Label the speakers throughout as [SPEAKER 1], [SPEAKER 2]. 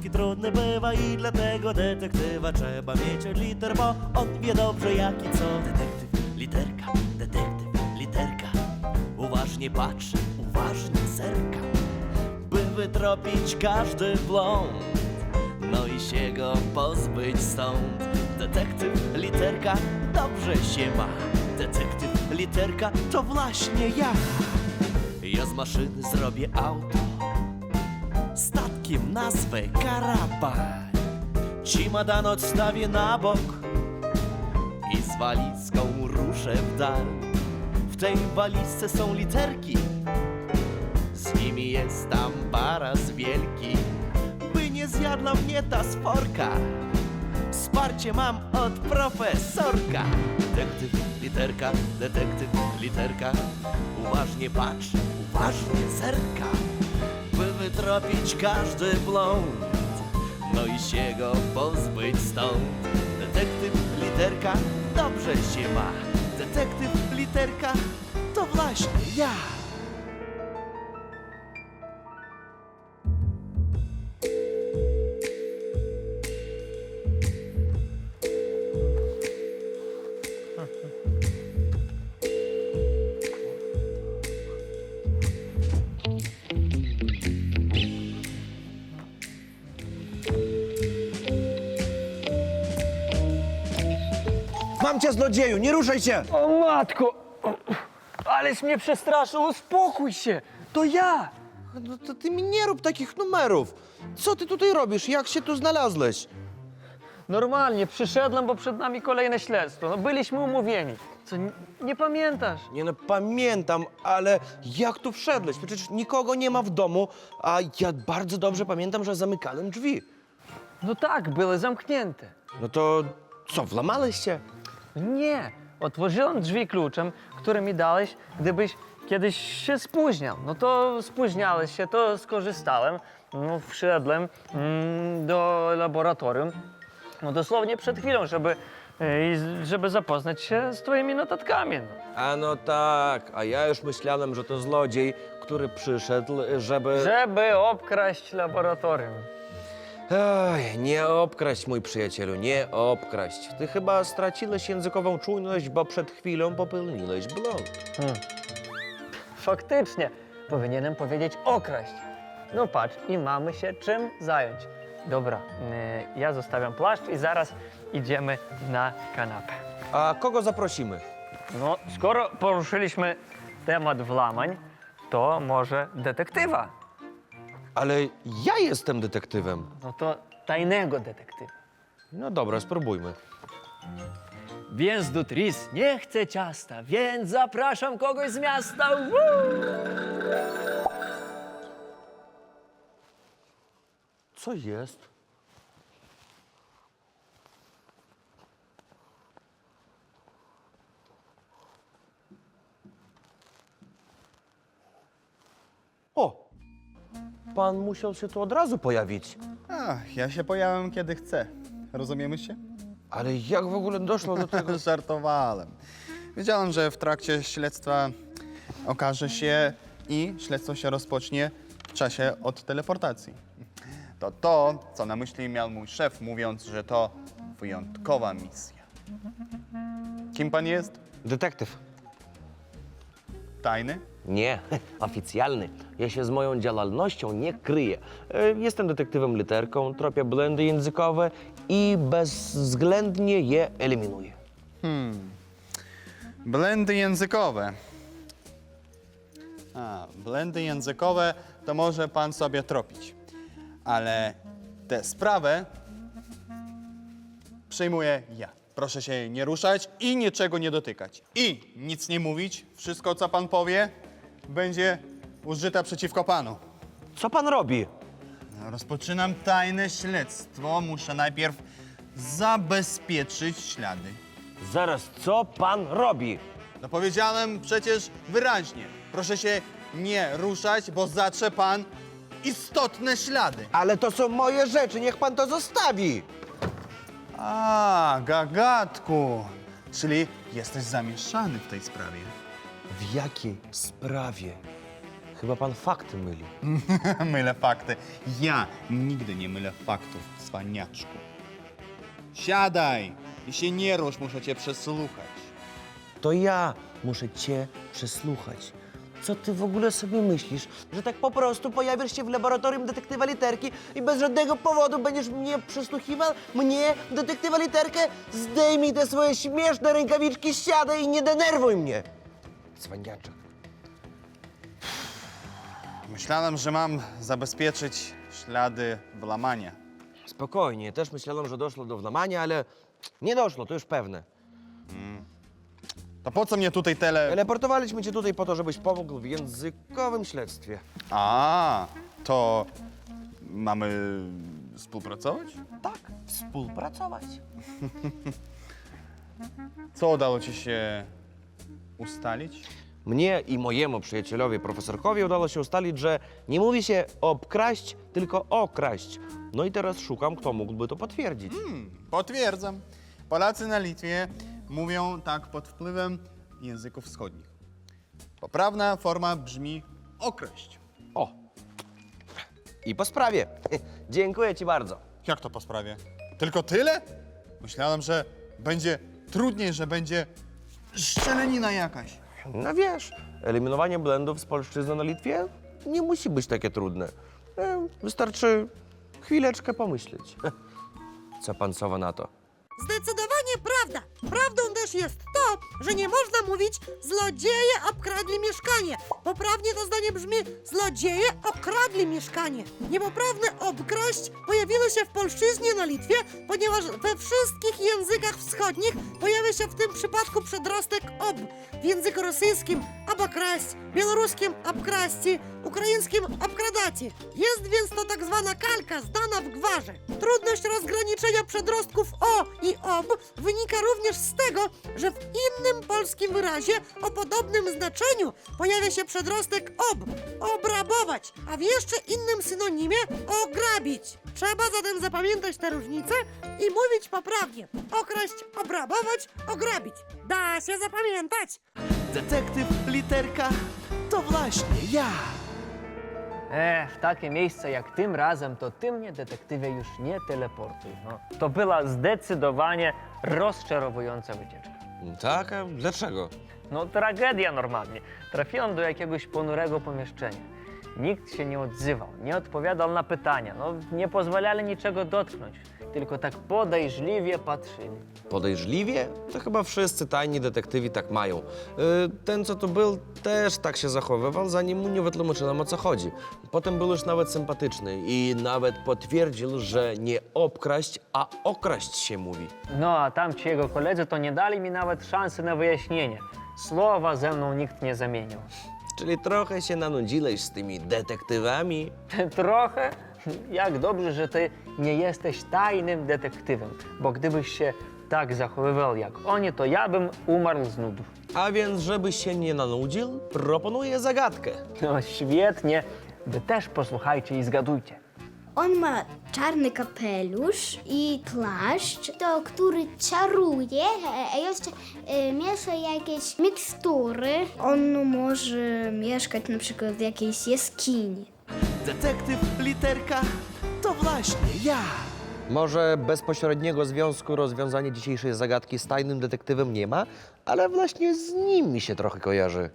[SPEAKER 1] angielski trudny bywa i dlatego detektywa trzeba mieć od liter, bo on wie dobrze jak i co. Detektyw, literka, uważnie patrzy, uważnie zerka, by wytropić każdy błąd, no i się go pozbyć stąd. Detektyw, literka, dobrze się ma. Detektyw, literka, to właśnie ja. Ja z maszyny zrobię auto, statkiem nazwę karaban. Cimadan odstawię na bok i z walizką ruszę w dal. W tej walizce są literki, z nimi jest tam baraz wielki, by nie zjadła mnie ta sporka. Wsparcie mam od profesorka. Detektyw, literka, uważnie patrz, uważnie zerka, by wytropić każdy błąd, no i się go pozbyć stąd. Detektyw, literka, dobrze się ma. Detektyw, literka, to właśnie ja.
[SPEAKER 2] Mam cię, złodzieju, nie ruszaj się!
[SPEAKER 3] O matko! Aleś mnie przestraszył, uspokój się! To ja!
[SPEAKER 2] No to ty mi nie rób takich numerów. Co ty tutaj robisz? Jak się tu znalazłeś?
[SPEAKER 3] Normalnie, przyszedłem, bo przed nami kolejne śledztwo. No, byliśmy umówieni. Co, nie pamiętasz?
[SPEAKER 2] Nie no, pamiętam, ale jak tu wszedłeś? Przecież nikogo nie ma w domu, a ja bardzo dobrze pamiętam, że zamykałem drzwi.
[SPEAKER 3] No tak, były zamknięte.
[SPEAKER 2] No to co, włamałeś się?
[SPEAKER 3] Nie, otworzyłem drzwi kluczem, który mi dałeś, gdybyś kiedyś się spóźniał. No to spóźniałeś się, to skorzystałem. No, wszedłem do laboratorium, no dosłownie przed chwilą, żeby zapoznać się z twoimi notatkami. No.
[SPEAKER 2] A no tak, a ja już myślałem, że to zlodziej, który przyszedł,
[SPEAKER 3] Żeby obkraść laboratorium.
[SPEAKER 2] Ej, nie obkraść, mój przyjacielu, nie obkraść. Ty chyba straciłeś językową czujność, bo przed chwilą popełniłeś błąd.
[SPEAKER 3] Faktycznie, powinienem powiedzieć okraść. No patrz, i mamy się czym zająć. Dobra, ja zostawiam płaszcz i zaraz idziemy na kanapę.
[SPEAKER 2] A kogo zaprosimy?
[SPEAKER 3] No, skoro poruszyliśmy temat włamań, to może detektywa.
[SPEAKER 2] Ale ja jestem detektywem.
[SPEAKER 3] No to tajnego detektywa.
[SPEAKER 2] No dobra, spróbujmy.
[SPEAKER 3] Więc Dutris nie chce ciasta, więc zapraszam kogoś z miasta. Woo!
[SPEAKER 2] Co jest? O! Pan musiał się tu od razu pojawić.
[SPEAKER 4] Ja się pojawiam kiedy chcę. Rozumiemy się?
[SPEAKER 2] Ale jak w ogóle doszło do tego?
[SPEAKER 4] Żartowałem. Wiedziałem, że w trakcie śledztwa okaże się i śledztwo się rozpocznie w czasie od teleportacji. To, co na myśli miał mój szef, mówiąc, że to wyjątkowa misja. Kim pan jest?
[SPEAKER 2] Detektyw.
[SPEAKER 4] Tajny?
[SPEAKER 2] Nie, oficjalny. Ja się z moją działalnością nie kryję. Jestem detektywem literką, tropię błędy językowe i bezwzględnie je eliminuję.
[SPEAKER 4] Blendy językowe. Blendy językowe to może pan sobie tropić. Ale tę sprawę przejmuję ja. Proszę się nie ruszać i niczego nie dotykać. I nic nie mówić. Wszystko, co pan powie, będzie użyte przeciwko panu.
[SPEAKER 2] Co pan robi?
[SPEAKER 4] Rozpoczynam tajne śledztwo. Muszę najpierw zabezpieczyć ślady.
[SPEAKER 2] Zaraz, co pan robi?
[SPEAKER 4] No powiedziałem przecież wyraźnie. Proszę się nie ruszać, bo zatrze pan istotne ślady.
[SPEAKER 2] Ale to są moje rzeczy, niech pan to zostawi.
[SPEAKER 4] Gagatku. Czyli jesteś zamieszany w tej sprawie.
[SPEAKER 2] W jakiej sprawie? Chyba pan fakty myli.
[SPEAKER 4] Mylę fakty. Ja nigdy nie mylę faktów, cwaniaczku. Siadaj i się nie rusz, muszę cię przesłuchać.
[SPEAKER 2] To ja muszę cię przesłuchać. Co ty w ogóle sobie myślisz? Że tak po prostu pojawisz się w laboratorium detektywa Literki i bez żadnego powodu będziesz mnie przesłuchiwał? Mnie, detektywa Literkę? Zdejmij te swoje śmieszne rękawiczki, siadaj i nie denerwuj mnie! Cwaniaczek.
[SPEAKER 4] Myślałem, że mam zabezpieczyć ślady włamania.
[SPEAKER 2] Spokojnie, też myślałem, że doszło do włamania, ale nie doszło, to już pewne.
[SPEAKER 4] To po co mnie tutaj
[SPEAKER 2] Teleportowaliśmy cię tutaj po to, żebyś pomógł w językowym śledztwie.
[SPEAKER 4] A, to mamy współpracować?
[SPEAKER 2] Tak, współpracować.
[SPEAKER 4] Co udało ci się ustalić?
[SPEAKER 2] Mnie i mojemu przyjacielowi, profesorkowi, udało się ustalić, że nie mówi się obkraść, tylko okraść. No i teraz szukam, kto mógłby to potwierdzić.
[SPEAKER 4] Potwierdzam. Polacy na Litwie mówią tak pod wpływem języków wschodnich. Poprawna forma brzmi okraść.
[SPEAKER 2] O! I po sprawie. Dziękuję ci bardzo.
[SPEAKER 4] Jak to po sprawie? Tylko tyle? Myślałem, że będzie trudniej, że będzie szczelenina jakaś.
[SPEAKER 2] No wiesz, eliminowanie blendów z polszczyzny na Litwie nie musi być takie trudne. Wystarczy chwileczkę pomyśleć. Co pan Sowa na to?
[SPEAKER 5] Zdecydowanie prawda. Prawdą też jest to, że nie można mówić złodzieje obkradli mieszkanie. Poprawnie to zdanie brzmi złodzieje okradli mieszkanie. Niepoprawne obkraść pojawiło się w polszczyźnie na Litwie, ponieważ we wszystkich językach wschodnich pojawia się w tym przypadku przedrostek ob. W języku rosyjskim obokraść, białoruskim obkraści, ukraińskim obkradaci. Jest więc to tak zwana kalka zdana w gwarze. Trudność rozgraniczenia przedrostków o i ob wynika również z tego, że w innym polskim wyrazie o podobnym znaczeniu pojawia się przedrostek ob, obrabować, a w jeszcze innym synonimie ograbić. Trzeba zatem zapamiętać te różnice i mówić poprawnie. Okraść, obrabować, ograbić. Da się zapamiętać.
[SPEAKER 1] Detektyw Literka to właśnie ja.
[SPEAKER 3] W takie miejsce jak tym razem, to ty mnie, detektywie, już nie teleportuj. No, to była zdecydowanie rozczarowująca wycieczka.
[SPEAKER 2] Tak? A dlaczego?
[SPEAKER 3] No tragedia normalnie. Trafiłem do jakiegoś ponurego pomieszczenia. Nikt się nie odzywał, nie odpowiadał na pytania, no nie pozwalali niczego dotknąć, tylko tak podejrzliwie patrzyli.
[SPEAKER 2] Podejrzliwie? To chyba wszyscy tajni detektywi tak mają. Ten, co tu był, też tak się zachowywał, zanim mu nie wytłumaczyłem, o co chodzi. Potem był już nawet sympatyczny i nawet potwierdził, że nie obkraść, a okraść się mówi.
[SPEAKER 3] No a tam ci jego koledzy to nie dali mi nawet szansy na wyjaśnienie. Słowa ze mną nikt nie zamienił.
[SPEAKER 2] Czyli trochę się nanudziłeś z tymi detektywami.
[SPEAKER 3] Trochę? Jak dobrze, że ty nie jesteś tajnym detektywem, bo gdybyś się tak zachowywał jak oni, to ja bym umarł z nudów.
[SPEAKER 2] A więc, żebyś się nie nanudził, proponuję zagadkę.
[SPEAKER 3] No świetnie, wy też posłuchajcie i zgadujcie.
[SPEAKER 6] On ma czarny kapelusz i płaszcz, to który czaruje, a jeszcze miesza jakieś mikstury. On może mieszkać na przykład w jakiejś jaskini.
[SPEAKER 1] Detektyw Literka to właśnie ja.
[SPEAKER 2] Może bezpośredniego związku rozwiązanie dzisiejszej zagadki z tajnym detektywem nie ma, ale właśnie z nim mi się trochę kojarzy.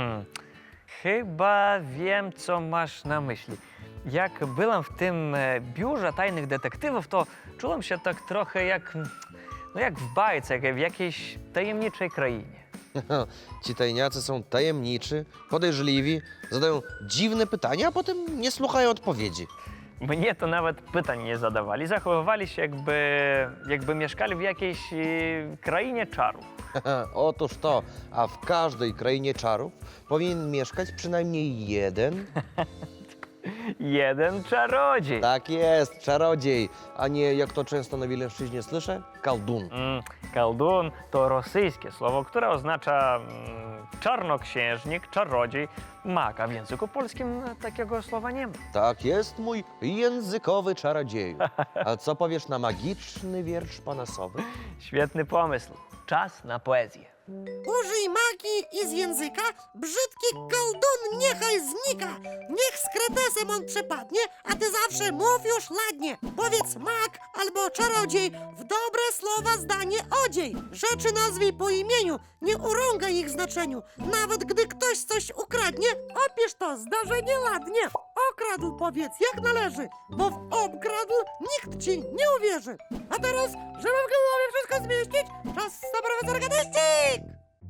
[SPEAKER 3] Chyba wiem, co masz na myśli. Jak byłem w tym biurze tajnych detektywów, to czułem się tak trochę jak, no jak w bajce, jak w jakiejś tajemniczej krainie.
[SPEAKER 2] Ci tajniacy są tajemniczy, podejrzliwi, zadają dziwne pytania, a potem nie słuchają odpowiedzi.
[SPEAKER 3] Mnie to nawet pytań nie zadawali. Zachowywali się jakby mieszkali w jakiejś krainie czarów.
[SPEAKER 2] Otóż to, a w każdej krainie czarów powinien mieszkać przynajmniej jeden.
[SPEAKER 3] Jeden czarodziej.
[SPEAKER 2] Tak jest, czarodziej, a nie, jak to często na Wileńszczyźnie słyszę, kaldun.
[SPEAKER 3] Kaldun to rosyjskie słowo, które oznacza czarnoksiężnik, czarodziej, mag, a w języku polskim takiego słowa nie ma.
[SPEAKER 2] Tak jest, mój językowy czarodzieju. A co powiesz na magiczny wiersz pana Sowy?
[SPEAKER 3] Świetny pomysł. Czas na poezję.
[SPEAKER 5] Użyj magii i z języka brzydki koldun niechaj znika. Niech z kretesem on przepadnie, a ty zawsze mów już ładnie. Powiedz mag albo czarodziej, w dobre słowa zdanie odziej. Rzeczy nazwij po imieniu, nie urągaj ich znaczeniu. Nawet gdy ktoś coś ukradnie, opisz to zdarzenie ładnie. Okradł powiedz jak należy, bo w obkradł nikt ci nie uwierzy. A teraz, żeby w głowie wszystko zmieścić, czas na profesora Gadeścik!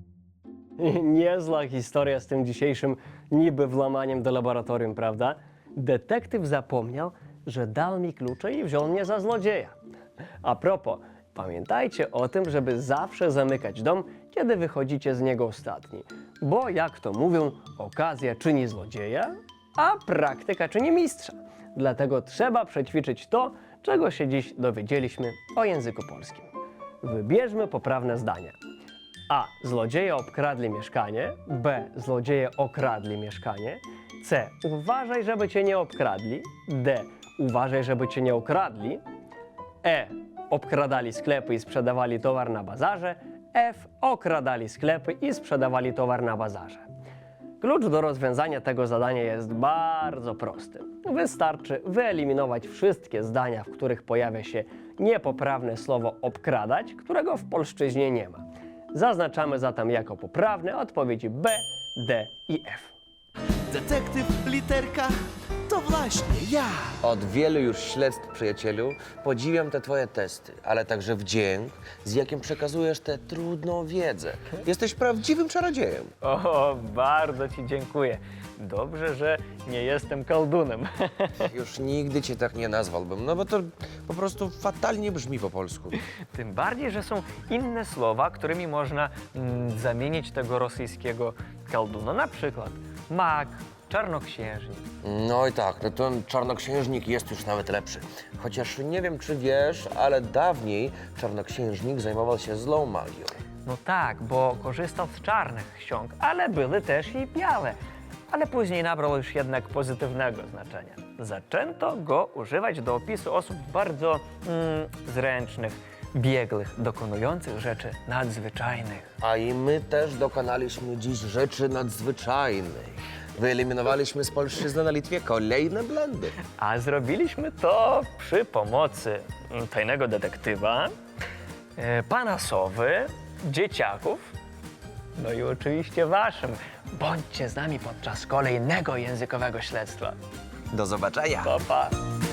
[SPEAKER 7] Niezła historia z tym dzisiejszym niby włamaniem do laboratorium, prawda? Detektyw zapomniał, że dał mi klucze i wziął mnie za złodzieja. A propos, pamiętajcie o tym, żeby zawsze zamykać dom, kiedy wychodzicie z niego ostatni. Bo jak to mówią, okazja czyni złodzieja, a praktyka czyni mistrza. Dlatego trzeba przećwiczyć to, czego się dziś dowiedzieliśmy o języku polskim. Wybierzmy poprawne zdania. A. Złodzieje obkradli mieszkanie. B. Złodzieje okradli mieszkanie. C. Uważaj, żeby cię nie obkradli. D. Uważaj, żeby cię nie okradli. E. Obkradali sklepy i sprzedawali towar na bazarze. F. Okradali sklepy i sprzedawali towar na bazarze. Klucz do rozwiązania tego zadania jest bardzo prosty. Wystarczy wyeliminować wszystkie zdania, w których pojawia się niepoprawne słowo obkradać, którego w polszczyźnie nie ma. Zaznaczamy zatem jako poprawne odpowiedzi B, D i F.
[SPEAKER 1] Detektyw literka to właśnie ja.
[SPEAKER 2] Od wielu już śledztw, przyjacielu, podziwiam te twoje testy, ale także wdzięk, z jakim przekazujesz tę trudną wiedzę. Jesteś prawdziwym czarodziejem.
[SPEAKER 3] O, bardzo ci dziękuję. Dobrze, że nie jestem koldunem.
[SPEAKER 2] Już nigdy cię tak nie nazwałbym, no bo to po prostu fatalnie brzmi po polsku.
[SPEAKER 3] Tym bardziej, że są inne słowa, którymi można zamienić tego rosyjskiego kolduna. Na przykład mag, czarnoksiężnik.
[SPEAKER 2] No i tak, no ten czarnoksiężnik jest już nawet lepszy. Chociaż nie wiem, czy wiesz, ale dawniej czarnoksiężnik zajmował się złą magią.
[SPEAKER 3] No tak, bo korzystał z czarnych ksiąg, ale były też i białe. Ale później nabrał już jednak pozytywnego znaczenia. Zaczęto go używać do opisu osób bardzo zręcznych, biegłych, dokonujących rzeczy nadzwyczajnych.
[SPEAKER 2] A i my też dokonaliśmy dziś rzeczy nadzwyczajnej. Wyeliminowaliśmy z polszczyzny na Litwie kolejne błędy.
[SPEAKER 3] A zrobiliśmy to przy pomocy tajnego detektywa, pana Sowy, dzieciaków, no i oczywiście waszym. Bądźcie z nami podczas kolejnego językowego śledztwa.
[SPEAKER 2] Do zobaczenia.
[SPEAKER 3] Pa, pa.